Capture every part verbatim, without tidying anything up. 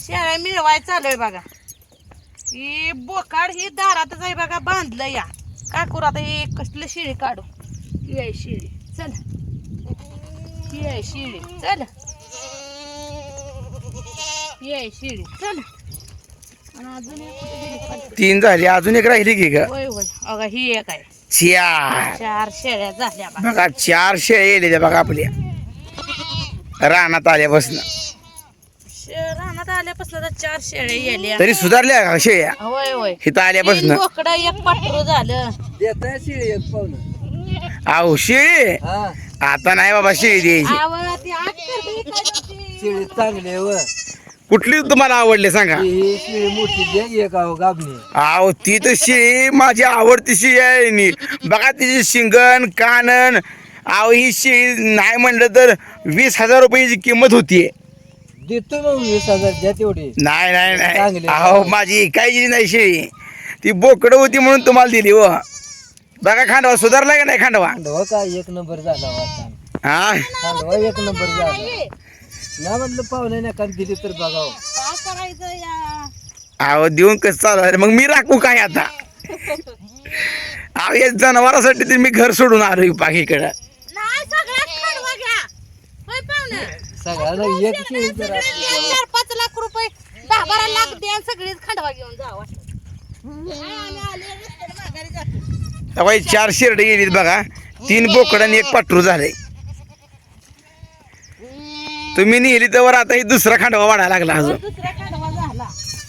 शेळ्या मिळवाय चालू आहे बघा. ही बोकाड ही दारातच आहे बघा बांधलं या. काय करू आता हे कसलं शेळी काढू. ही आहे शेळी चल. ही आहे शेळी चल. ही आहे शेळी चल. आणि अजून एक कुठे गेली खाली? तीन झाली अजून एक राहिली की का? होय होय अगं ही एक आहे. चार चार शेळ्या झाल्या बघा. बघा चार शेळ्या येलेल्या बघा आपल्या रानात आल्यापासून. रानात आल्यापासून तर चार शेळ्या येल्या. तरी सुधारल्या का शेळ्या होय होय इथं आल्यापासून? बोकडं एक पाटरू झालं. अहो शेळी आता नाही बाबा शेळी द्यायची. आवं, ती आत करते इकडे. शेळी चांगली आहे व. कुठली तुम्हाला आवडली सांगा? ही शेळी मोठी द्या एक अहो गाबणी. अहो ती तर शेळी माझी आवडती शेळी आहे नी. बघा तिची शिंगण कानन. अहो ही शेळी नाही म्हणलं तर वीस हजार रुपयाची किंमत होतीये. देतो मग वीस हजार द्या तेवढी. नाही नाही नाही चांगली. अहो माझी काही नाही शेळी. ती बोकडं होती म्हणून तुम्हाला दिली व. बघा खांडवा सुधारला का नाही खांडवा? खांडवा का एक नंबर झाला होता. हा खांडवा एक नंबर झाला. नाही म्हटलं पाहुणे नका दिली तर बघाव. काय करायचं या? अहो देऊन कसं चालू आहे? मग मी राखू काय आता? अहो या जनावरासाठी तर मी घर सोडून आलो बाकीकडं. नाही सगळ्यात खांडवा घ्या. होय पाहुणे. सगळ्याला एक शेळी जर असली तर. चार पाच लाख रुपये दहा बारा लाख द्या सगळीच खांडवा घेऊन जावा. आम्ही आले रस्त्याने माघारी जातो. तेव्हा चार शेरडे गेलीत बघा. तीन बोकड आणि एक पाटरू झाले. तुम्ही नेली तर आता ही दुसरा खांडवा वाढायला लागला अजून. दुसरा खांडवा झाला.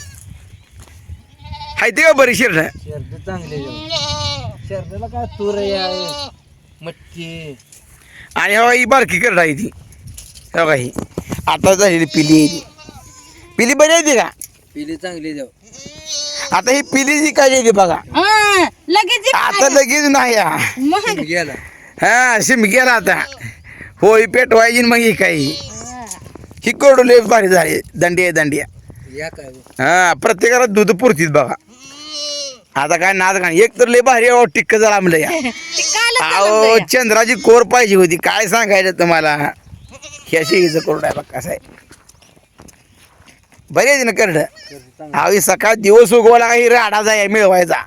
हाय ते का बरी शेरड? शेरड चांगले शेरडाला काय तूर आहे मटकी. आणि हवा ही बारकी करड आहे ती. हे बघा ही आता झालेली पिली आहे ती. पिली बरी आहे ती का? पिली चांगली द्या. आता ही पिली जी काय आहे बघा. हा, लगेच ये. आता लगेच नाही हा. मग गेला. हा शिमग्याला आता होय पेटवायची मग ही काही ही कोरडले भारी झाली. दंडिया दंडिया या काय हा प्रत्येकाला दूध पुरतीत बघा. आता काय नाद का एक तर लय भारी अहो टिक्क झाला आमलं या. ते कालच अहो झालं या. चंद्राची कोर पाहिजे होती. काय सांगायचं तुम्हाला. ह्या शेळीचं कोरड आहे बघ कसं आहे. बरी आहे ना करड. अहो सकाळ दिवस उगवायला काही राडा जाय मिळवायचा.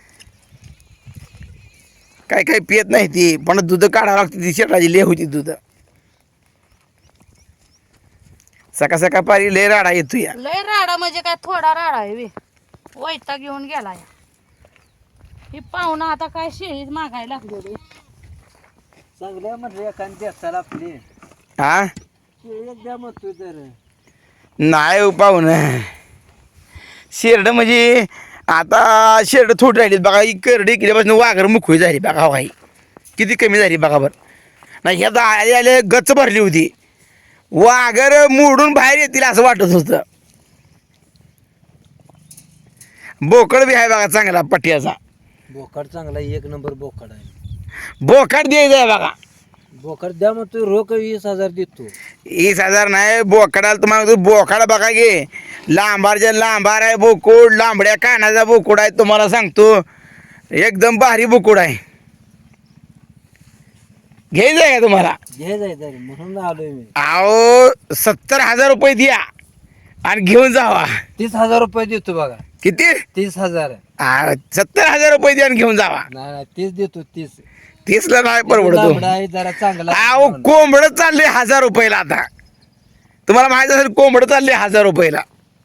काय काय पियत नाही ती पण दूध काढावं लागते. ती शेटाची ले होती दूध. सकाळ सकाळ पारी लय राडा येतो या. लय राडा म्हणजे काय थोडा राडा आहे बे. वैता घेऊन गेला या. ही पाहुणा आता काय शेळीत मागायला लागलेली. चांगल्या म्हटलं एखादी चला आपली हा शेळी एक द्या म्हणतोय तर. नाही पाहून शेरड म्हणजे आता शेरड थोडी राहिली बघा. ही करडी केल्यापासून वाघर मुखवी झाली बघा. भाई किती कमी झाली बघा बरं. नाही ह्या आले आले गच्च भरली होती. वाघर मोडून बाहेर येतील असं वाटत होतं. बोकड बी आहे बघा चांगला पट्ट्याचा. बोकड चांगला एक नंबर बोकड आहे. बोकड द्यायचा आहे बघा. बोकड द्या म्हणतोय रोख वीस हजार देतो. वीस हजार नाही बोकडाला तुम्हाला बोकड बघा गे. लांबारच्या लांबार आहे बोकुड. लांबड्या कानाचा बोकुड आहे तुम्हाला सांगतो. एकदम भारी बोकुड आहे. घ्यायचं आहे का तुम्हाला? घे जायचं म्हणून आलोय मी. अहो सत्तर हजार रुपये द्या आणि घेऊन जावा. तीस हजार रुपये देतो बघा. किती? तीस हजार. आ, सत्तर हजार रुपये द्या आणि घेऊन जावा. नाही नाही तीस देतो तीस. तीसला नाही परवडतो. लांबडा आहे जरा चांगला. अहो कोंबडं चालले हजार रुपयाला. आता तुम्हाला माहित असेल कोंबडं चालले हजार रुपयाला.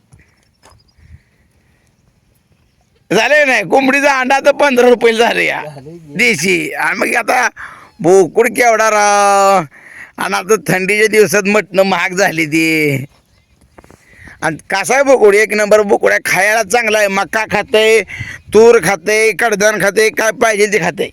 झाले नाही कोंबडीचा अंडा तर पंधरा रुपयाला झाले या झाले की. देशी. आणि मग आता बोकुड केवढा राव. आणि आता थंडीच्या दिवसात मटणं महाग झाली ती. आणि कसा आहे बोकुड एक नंबर बोकुड आहे. खायला चांगला आहे. मका खाते तूर खाते कडधान खाते काय पाहिजे ते खाते.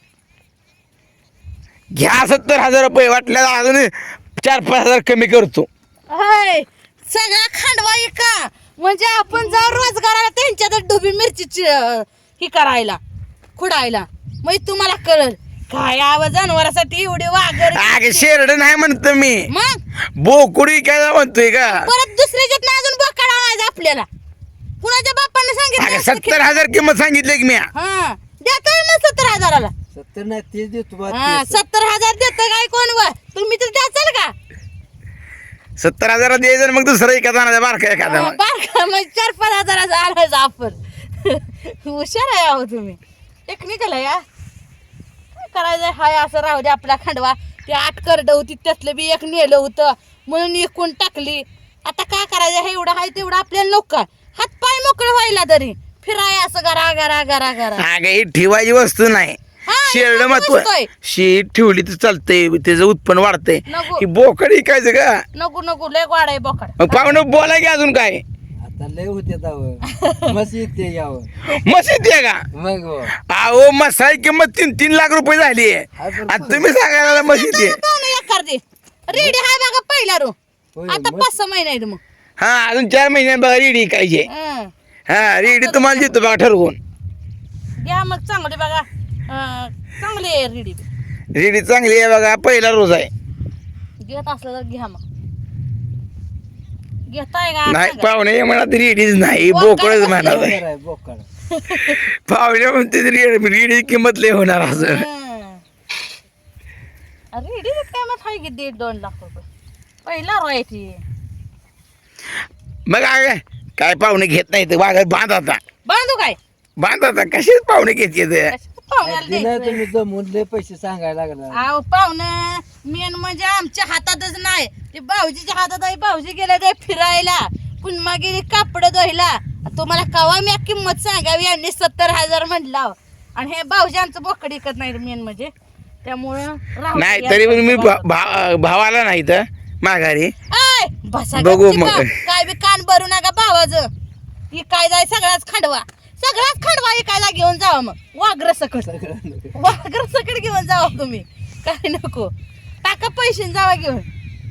घ्या सत्तर हजार रुपये. वाटल्या अजून चार पाच हजार कमी करतो. होय सगळा खांडवा का म्हणजे आपण जाऊ रोजगाराला त्यांच्यात डुबी मिरची ही करायला खुडायला. मग तुम्हाला कळल काय आवाज जनावरासाठी एवढे वाघर. अगे शेरड नाही म्हणतो मी. मग बोकुडी काय म्हणतोय का? परत दुसऱ्याच्यात अजून बोकाड आणायचं आपल्याला. कुणाच्या बापाने अगे सांगितलं? सत्तर हजार किंमत सांगितली की मी. हा देतोय ना सत्तर हजाराला. सत्तर नाही तीस देतो बा. हा तीस. सत्तर हजार देत काय कोण व तुम्ही तर द्याचाल का? सत्तर हजार द्यायचं आणि मग दुसरा एखादा आणायचा बारका एखादा मग. बारका मग चार पाच हजाराचा आणायचं आपण. हुशार आहे अहो तुम्ही, टेक्निकल आहे या. काय करायचं हाय असं राहू दे आपला खांडवा. ते आठ करड होती त्यातलं बी एक नेलं होतं म्हणून एकूण टाकली. आता काय करायचं हे एवढं आहे तेवढं आपल्याला नको का हात पाय मोकळे व्हायला तरी फिराय असं गरा गरा गरा गरा. अगं ही ठेवायची वस्तू नाही. हा, शेरड ही महत्व वस्तू आहे. शी ठेवली तर चालतंय, त्याचं उत्पन्न वाढतंय. नको. ही बोकड इकायचं का नको नको लय वाढ आहे बोकड. मग पाहुणं बोला की अजून काय आता लय होते जावं मस्त येते यावं मस्त येते का मग हो. अहो मसाई किंमत तीन तीन लाख रुपये झाली आहे हा, पण- आणि तुम्ही सांगायला मस्त येते. एखादी रेडी हाय बघा पहिला रो. होय, आता मस्त. पाच सहा महिने आहेत मग. हा अजून चार महिन्यात बघा रेडी इकायची. हं. हा रेडी तुम्हाला देतो बघा ठरवून. घ्या मग चांगले बघा अं, चांगले आहे रेडी. रेडी चांगली आहे बघा, पहिला रोज आहे. घेत असलं तर घ्या मग. घेताय का नाही सांगा. पाहुणे म्हणत रेडीच नाही, बोकड बोकडच कसलं म्हणत आहे. बोकड आहे, बोकड पाहुणे म्हणते रेडी किंमत लय होणार असं. हं. रेडी काय मग हाय की दीड दोन लाख रुपये पहिला रोयाची. मग काय काय पाहुणे घेत नाही तर वाघ बांध आता बांधू काय बांध आता कसेच पाहुणे घेत येते. कशाचं पाहुण्याला दिना द्यायचं? तुम्ही जमून लय पैसे सांगायला लागला. अहो पाहुणं मेन म्हणजे आमच्या हातातच नाही ते भाऊजीच्या हातात आहे. भाऊजी गेले ते फिरायला पुन्हा गेली कापड धुवायला. तुम्हाला कवा मी किंमत सांगावी यांनी सत्तर हजार म्हटलं आणि हे भाऊजी आमचं बोकड विकत नाही मेन म्हणजे त्यामुळं राहू दे नाही या तरी पण मी बाबा. भा- भा- भावाला नाही तर माघारी ऐ, बसा बघू गपची मग. बा. काय बी कान भरू नका भावाचं. ही काय जाय सगळाच खांडवा सगळाच खांडवा इकायला घेऊन जावा मग वाघर सकट सगळं वाघर सकट घेऊन जावा तुम्ही काय नको टाका पैसे आणि जावा घेऊन.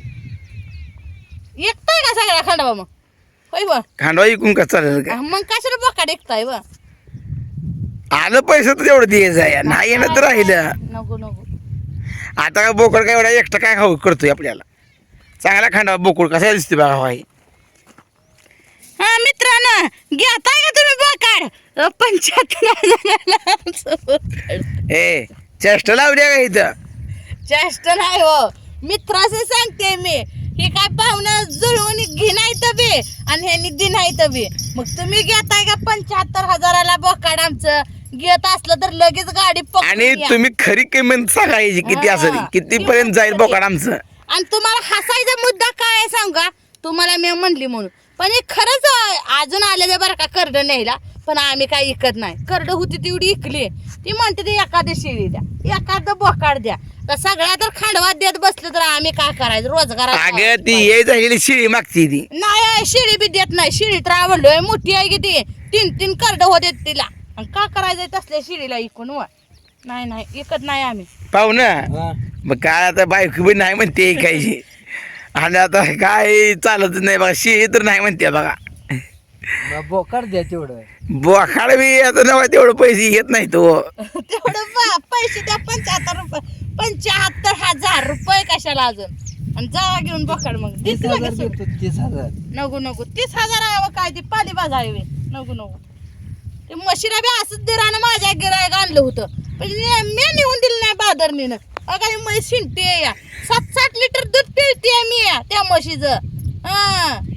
एकताय का सगळा खांडवा मग होय बा खांडवा इकून का चालेल का मग कशाला बोकाड एकताय बा. आलं पैसे तर तेवढं द्यायचं आहे, नाही येणं तर राहिलं. नको नको आता काय बोकड काय एवढा एकटा काय खाऊ करतोय आपल्याला. चांगला खांडवा बोकड कसा दिसते बघा भाई. हा मित्रांनो घेताय का तुम्ही बोकाड पंच्याहत्तर हजाराला ए चेष्टा लावल्या का इथं. चेष्ट नाही हो मित्राचं सांगते मी. हे काय पाहुणं जुळवून घेणार बे आणि ह्यांनी दिनायत बे. मग तुम्ही घेताय का पंच्याहत्तर हजाराला बोकाड आमचं घेत असलं तर लगेच गाडी पकडून आणि या. तुम्ही खरी किंमत सांगायची किती हा. असेल किती पर्यंत जाईल बोकड आमचं. आणि तुम्हाला हसायचा मुद्दा काय आहे सांगा तुम्हाला मी म्हणली म्हणून पण हे खरंच आहे. अजून आलेले बरं का करड न्यायला पण आम्ही काय इकत नाही. करड होती तेवढी इकली ती म्हणते ती एखादी शिळी द्या एखादं बोकाड द्या. तर सगळ्या तर खांडवात देत बसलं तर आम्ही काय करायचं रोजगार अगं ती ये झालेली शिळी मागची ती. नाही शिळी बी देत नाही. शिळी तर आवडलोय मोठी आहे की ती तीन तीन करड होते तिला आणि का करायचं तसल्या शिळीला इकून व नाही नाही इकत नाही आम्ही. पाहुणं हा. मग काय आता बायको बी नाही म्हणते ऐकायची आणि आता काय चालतच नाही बघा. शिळी तर नाही म्हणते बघा. मग बोकड द्या तेवढं. बोखाड बी आता नवा तेवढं पैसे घेत नाही तो. तेवढं बा- पैसे द्या पंच्याहत्तर रुपये पंच्याहत्तर हजार रुपये कशाला अजून आणि जा घेऊन बोकाड मग तीस दिसलं हजार कसं? देतो तीस हजार. नको नको तीस हजार आहे काय ती पाली बाजावी नको नको ते म्हशीला बी असंच दिरानं माझ्या गिरायक आणलं होतं पण मी मी नेऊन दिलं नाही बादरणीनं. अगं ही म्हैस शिंकते या सात सात लिटर दूध पिळते मी या त्या म्हशीचं. हा